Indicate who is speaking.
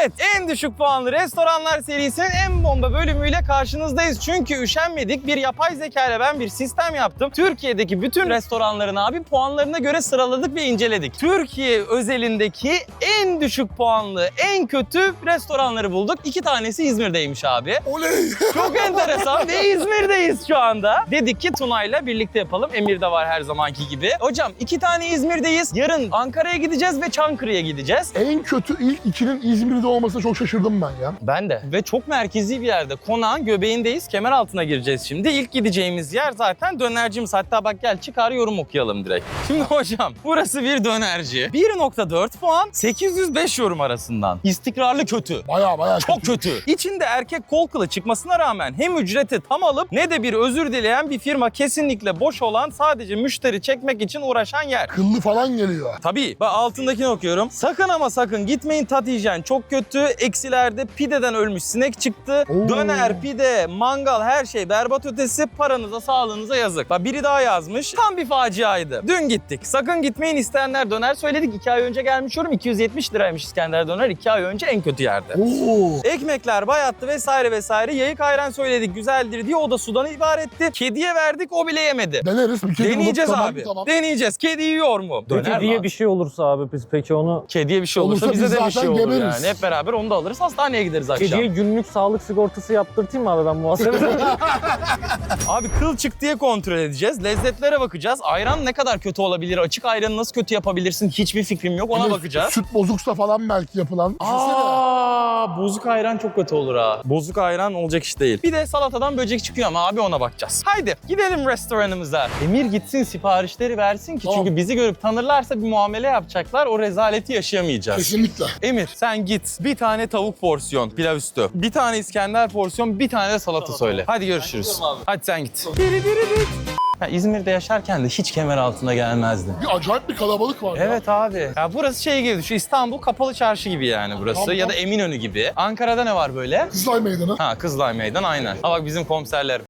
Speaker 1: Evet, en düşük puanlı restoranlar serisinin en bomba bölümüyle karşınızdayız. Çünkü üşenmedik, bir yapay zeka ile ben bir sistem yaptım. Türkiye'deki bütün restoranların abi puanlarına göre sıraladık ve inceledik. Türkiye özelindeki en düşük puanlı, en kötü restoranları bulduk. 2 tanesi İzmir'deymiş abi.
Speaker 2: Oley!
Speaker 1: Çok enteresan ve İzmir'deyiz şu anda. Dedik ki Tuna'yla birlikte yapalım. Emir de var her zamanki gibi. Hocam 2 tane İzmir'deyiz. Yarın Ankara'ya gideceğiz ve Çankırı'ya gideceğiz.
Speaker 2: En kötü ilk ikinin İzmir'de olmasına çok şaşırdım ben ya.
Speaker 1: Ben de. Ve çok merkezi bir yerde. Konağın göbeğindeyiz. Kemer altına gireceğiz şimdi. İlk gideceğimiz yer zaten dönercimiz. Hatta bak gel çıkar yorum okuyalım direkt. Şimdi hocam burası bir dönerci. 1.4 puan 805 yorum arasından. İstikrarlı kötü.
Speaker 2: Baya
Speaker 1: Çok kötü. İçinde erkek kol kılı çıkmasına rağmen hem ücreti tam alıp ne de bir özür dileyen bir firma, kesinlikle boş olan, sadece müşteri çekmek için uğraşan yer.
Speaker 2: Kıllı falan geliyor.
Speaker 1: Tabii. Bak altındakini okuyorum. Sakın ama sakın gitmeyin, tat hijyen çok kötü. Eksilerde pideden ölmüş sinek çıktı.
Speaker 2: Oo.
Speaker 1: Döner, pide, mangal her şey berbat ötesi. Paranıza, sağlığınıza yazık. Bak biri daha yazmış. Tam bir faciaydı. Dün gittik. Sakın gitmeyin, isteyenler döner söyledik. 2 ay önce gelmiş yorum. 270 liraymış İskender döner. 2 ay önce en kötü yerde.
Speaker 2: Oo.
Speaker 1: Ekmekler bayattı vesaire vesaire. Yayık ayran söyledik güzeldir diye, o da sudan ibaretti. Kediye verdik, o bile yemedi.
Speaker 2: Deneriz bir kere.
Speaker 1: Deneyeceğiz
Speaker 2: Tamam,
Speaker 1: abi.
Speaker 2: Tamam.
Speaker 1: Deneyeceğiz. Kedi yiyor mu?
Speaker 3: Peki diye bir şey olursa abi biz peki onu...
Speaker 1: Kediye bir şey olursa,
Speaker 2: Olursa
Speaker 1: bize
Speaker 2: biz
Speaker 1: de bir şey
Speaker 2: zaten
Speaker 1: olur
Speaker 2: geberiz.
Speaker 1: yani. Hep beraber onu da alırız, hastaneye gideriz akşam.
Speaker 3: Kediye günlük sağlık sigortası yaptırtayım mı abi ben muhasebe?
Speaker 1: Abi kıl çık diye kontrol edeceğiz. Lezzetlere bakacağız. Ayran ne kadar kötü olabilir? Açık ayranı nasıl kötü yapabilirsin? Hiçbir fikrim yok. Ona
Speaker 2: Hani
Speaker 1: bakacağız.
Speaker 2: Süt bozuksa falan belki yapılan. Düşünsene.
Speaker 1: Bozuk ayran çok kötü olur ha. Bozuk ayran olacak iş değil. Bir de salatadan böcek çıkıyor ama abi ona bakacağız. Haydi gidelim restoranımıza. Emir gitsin, siparişleri versin ki
Speaker 2: Tamam.
Speaker 1: çünkü bizi görüp tanırlarsa bir muamele yapacaklar. O rezaleti yaşayamayacağız.
Speaker 2: Kesinlikle.
Speaker 1: Emir sen git. Bir tane tavuk porsiyon pilav üstü. Bir tane İskender porsiyon, bir tane de salata söyle. Hadi görüşürüz. Hadi sen git. Ya İzmir'de yaşarken de hiç kemer altına gelmezdim.
Speaker 2: Bir acayip bir kalabalık var ya.
Speaker 1: Evet abi. Ya burası şey gibi, şu İstanbul Kapalı Çarşı gibi yani burası.
Speaker 2: Tamam.
Speaker 1: Ya da Eminönü gibi. Ankara'da ne var böyle?
Speaker 2: Kızılay Meydanı.
Speaker 1: Ha, Kızılay Meydan aynen. Ha bak bizim komiserler.